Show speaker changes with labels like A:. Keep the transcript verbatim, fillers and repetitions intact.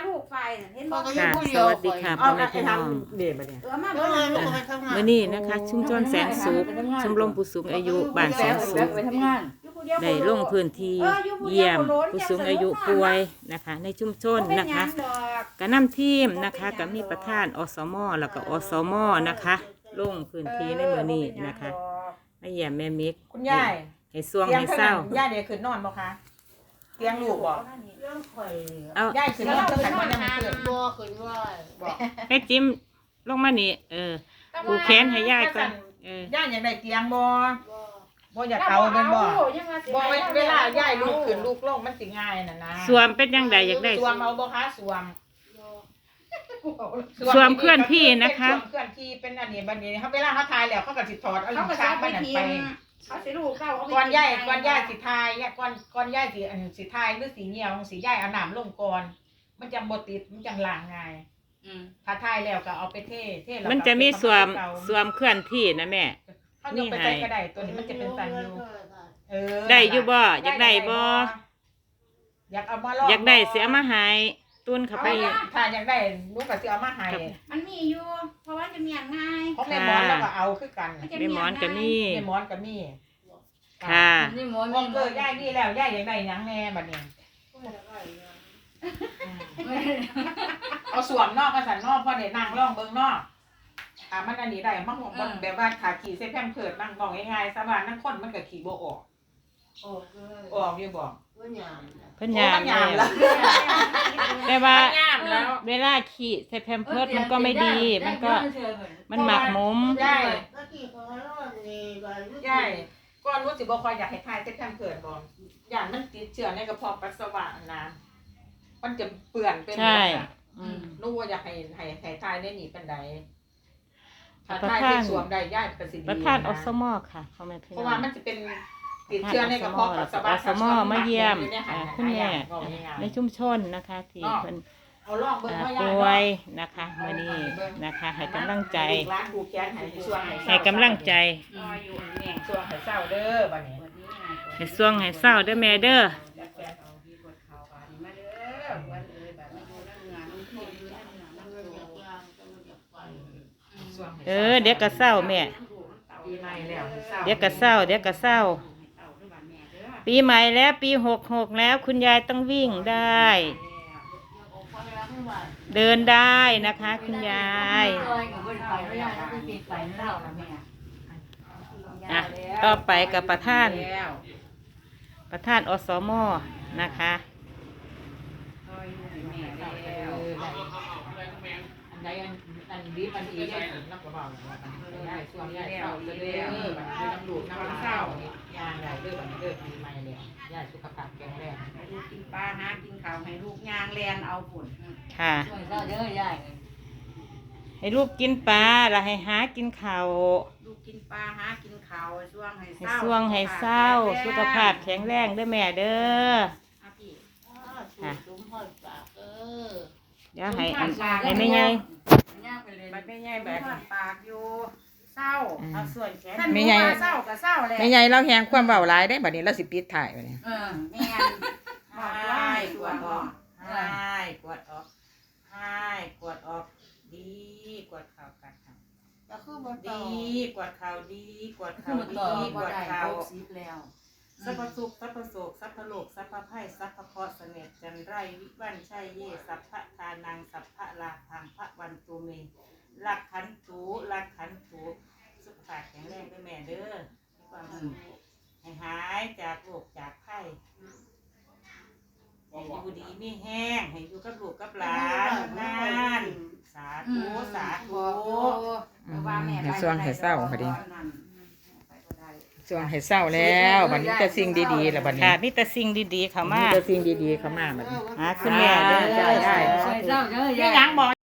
A: ลูกไฟเห็นบ่
B: ค่ะสวัสดีค่ะพ่อแม่พี่น้อง
C: เดี๋ยวมาเนี่ย
A: เออมา
D: เอ
A: บ่
D: อ
A: นั่น
D: ลูกไปทำงาน
B: มื้อนี้นะคะชุมชนแสนสุขชมรมผู้สูงอายุบ้านแสนสุข
C: ไปทำงาน
B: ได้ลงพื้นที่เยี่ยมผู้สูงอายุป่วยนะคะ ในชุมชนนะคะก็นำทีมนะคะก็มีประธานอสมแล้วก็อสมนะคะลงพื้นที่ในมื้อนี้นะคะมาเยี่ยมแม่มิก
C: คุณยาย
B: ให้สวงให้เศร้า
C: ย่าเดี๋ยวคืนนอนบ่คะเตียงลูกบ่
D: เรื่องข่อย
B: เอา
C: ย่าคืนนอนเท่ากันมันยังคืน
D: บ่ขึ้นว่า
C: บ่
B: ให้จิ้มลงมานี่เออผูกแขนให้ยายก่อนเออย่
C: าอยากได้เตียงบ่
D: บ่
C: บ่อยากเอาเป็นบ่บ่เวลาย่ายลูกขึ้นลูกลงมันสิง่ายน่ะนะ
B: สวมเป็นจังไดอยากได้
C: สวมเอาบ่คะสวม
B: สวมเคลื่อนที่นะคะ
C: สวมเคลื่อนที่เป็นอันนี้บัดนี้เขาเวลาเขาทายแล้วเขาก็สิถอดเอา
A: เขา
C: ลิ้
A: ก็
C: น
A: จะ
C: ชัก
A: ไป
C: มันนั่น
A: ที
C: ไป
A: มเขาสิลูกเขา
C: ก่อนย่ายก่อนย่ายสิทายย่ายก่อนก่อนย่ายสิอันสิทายหรือสิเหี่ยวสิย่ายเอาน้ำลงก่อนมันจังบ่ติดมันจังล้างง่ายถ้าทายแล้วก็เอาไปเทเทแล้วก็
B: มันจะมีสวม
C: เอา
B: สวมเคลื่อนที่นะแม่
C: เขายกไปใส่ก็ได้ตัวนี้มันจะเป็นสันอยู่เออ
B: ได้อยู่บ่อยากได้บ่
C: อยากเอามาลอง
B: อยากได้เสียมาใหายตุนเข้าไป
C: ถ้าอยากได้ลูกก็สิเอามาให้
A: มันมีอยู่เพราะว่าจะมีอย่างง่าย
C: ของแม่หมอนแล้วก็เอาคือกัน
B: แม่หมอนก็มี
C: แม่หมอนก็มี
B: ค่ะ
D: นี่หมอน
C: พอเกิดย่ายนี่แล้วย่ายอยากได้หยังแน่บัดนี้เอาสวมนอกก็สันนอกพอได้นั่งร่องเบิ่งนอกอ่ามันอันนี้ได้มันมันแบบว่าขาขี่เส้นแพมเพิดนั่งบอกง่ายๆสบายนั่งคนมันก็ขี่บ่ออก
D: โอ้เกิน
C: ออกอยู่บ่
D: เพิ่นยาม
B: เพิ่นยาม
C: ยามแล้ว
B: แต่ว่า
C: ยามแล้ว
B: เวลาขี่ใส่แพมเพิร์สมันก็ไม่ดี มันก็มันหมักหมม
C: ย่าย
D: ก็กี่คนรอดนี่บ่รู้
C: ย่ายก่อนรู้สิบ่ค่อยอยากให้ทายเส้นแพมเพิดบ่ย่านมันติดเชื้อในกระเพาะปัสสาวะนะมันจะเปื่อนเป็น
B: ใช่
C: อืมรู้ว่าอยากให้ให้ให้ทายได้หนีปานใดถ้า
B: ประ
C: ทาย
B: ธาน
C: ที่สวมได้ย่ายก็สิดี
B: ประธานอ
C: นะ
B: สมค่ะพ่อแม่พี่
C: เพ
B: น้
C: ราะ
B: อ
C: ว่าง มันจะเป็นติดเชื้อในกระเพาะปัสสาวะ
B: อสมมาเยี่ยม
C: ในห
B: อ่า
C: ห
B: คุณแม่
C: บอกง่ายๆ
B: ในชุมชนนะคะที่เพิ่น
C: เอาลองเบิ่ง
B: อ่า
C: ว่า
B: ป่
C: ย่า
B: วยนะคะมื้อนี้นะคะ ให้กำลังใจ
C: ร้านผูกแขนให้ช่วง
B: ให้กำลังใจ
A: อยู่แม่
C: ช่วงให้เศร้าเด้อบัดนี้
B: ให้สวงให้เศร้าเด้อแม่เด้อ
C: ช่วงให้
B: เออเดี๋ยวก็เศร้าแม่
C: ปีใหม่แล้วให้เศร้า
B: เดี๋ยวก็เศร้าเดี๋ยวก็เศร้า ปีใหม่แล้วปีหกหกแล้วคุณยายต้องวิ่งได้ เดินได้นะคะคุณยายอ่ะต่อไปกับประธาน ประธานอสมนะคะ
C: อันใดอันอันดีอันดีได้นักกว่าเบาได้ช่วงได้เศร้าเด้อบัดนี้น้ำลูกน้ำเศร้ายางได้เด้อบัดนี้เด้อปีใหม่แล้วย่าสุขภาพแข็งแรง
A: ให้ลูกกินปลาหากินข้าวให้ลูกย่างแลนเอาผล
B: ค่ะ
D: ช่วยเจ้าเด้อยาย
B: ให้ลูกกินปลาแล้วให้หากินข้าว
A: ลูกกินปลาหากินข้าวช่วงให้
B: ให้
A: เศร้า
B: สวงให้เศร้าสุขภาพแข็งแรงเด้อแม่เด้อ
A: อ่ะพี่
D: ค่ะสมพรปากเออ
B: เดี๋ยวให้อันให้แม่ยาย
D: ย่าไปเลย
C: บัดแม่ใหญ่แบ
A: แบบ บปากอยู่เศร้า
C: เอาส่วนแขน
A: ท่านรู้ว่าเศร้าก็เศร้าแหละ
C: แม่ใหญ่เราแหงความเบาหลายได้บัดนี้เราสิปิดถ่ายบัดนี้
D: เออ
A: แม่นบอกว่าให้ตรวจออก
C: ให้กวดออกให้กวดออกดีกวดข่าวกัดข่าว
D: แล้วคือบ่ต่อ
C: ดีกวดข่าวดีกวด
D: คื
C: ข่า
D: อ
C: ว
D: บ่
C: ดี
D: ต่อก
C: ว
D: บ่
C: ด
D: ได้
C: ข่าว
D: หกสิบแล้ว
C: สัพพสุขสัพพโศกสัพพโลกสัพพไพ่สัพพเคราะห์เสน่ห์จันไรวิวันชัยเยสัพพะทานังสัพพะลาพังพระวันตุเมลักขันตูลักขันตูสุขภาพแข็งแรงด้วยแม่เด้อมีความสุขให้หายจากโรคจากไข้ให้อยู่ดีไม่แห้งให้อยู่กับลูกกับหลานนานสาธุสาธุ
A: ให้ส่วงให้เศร้าพอดี
C: ช่วงให้เศร้าแล้วบัดนี้แต่สิ่งดีๆแล้วบัดนี้
B: ค่ะมีแต่สิ่งดีๆเข้ามา
C: แต่สิ่งดีๆเข้ามาบัดนี้
B: หาคุณแม่เด้อ
C: ได้ได้
D: ช่วยเจ้าเด้อยาย
C: ไม่ยังบอก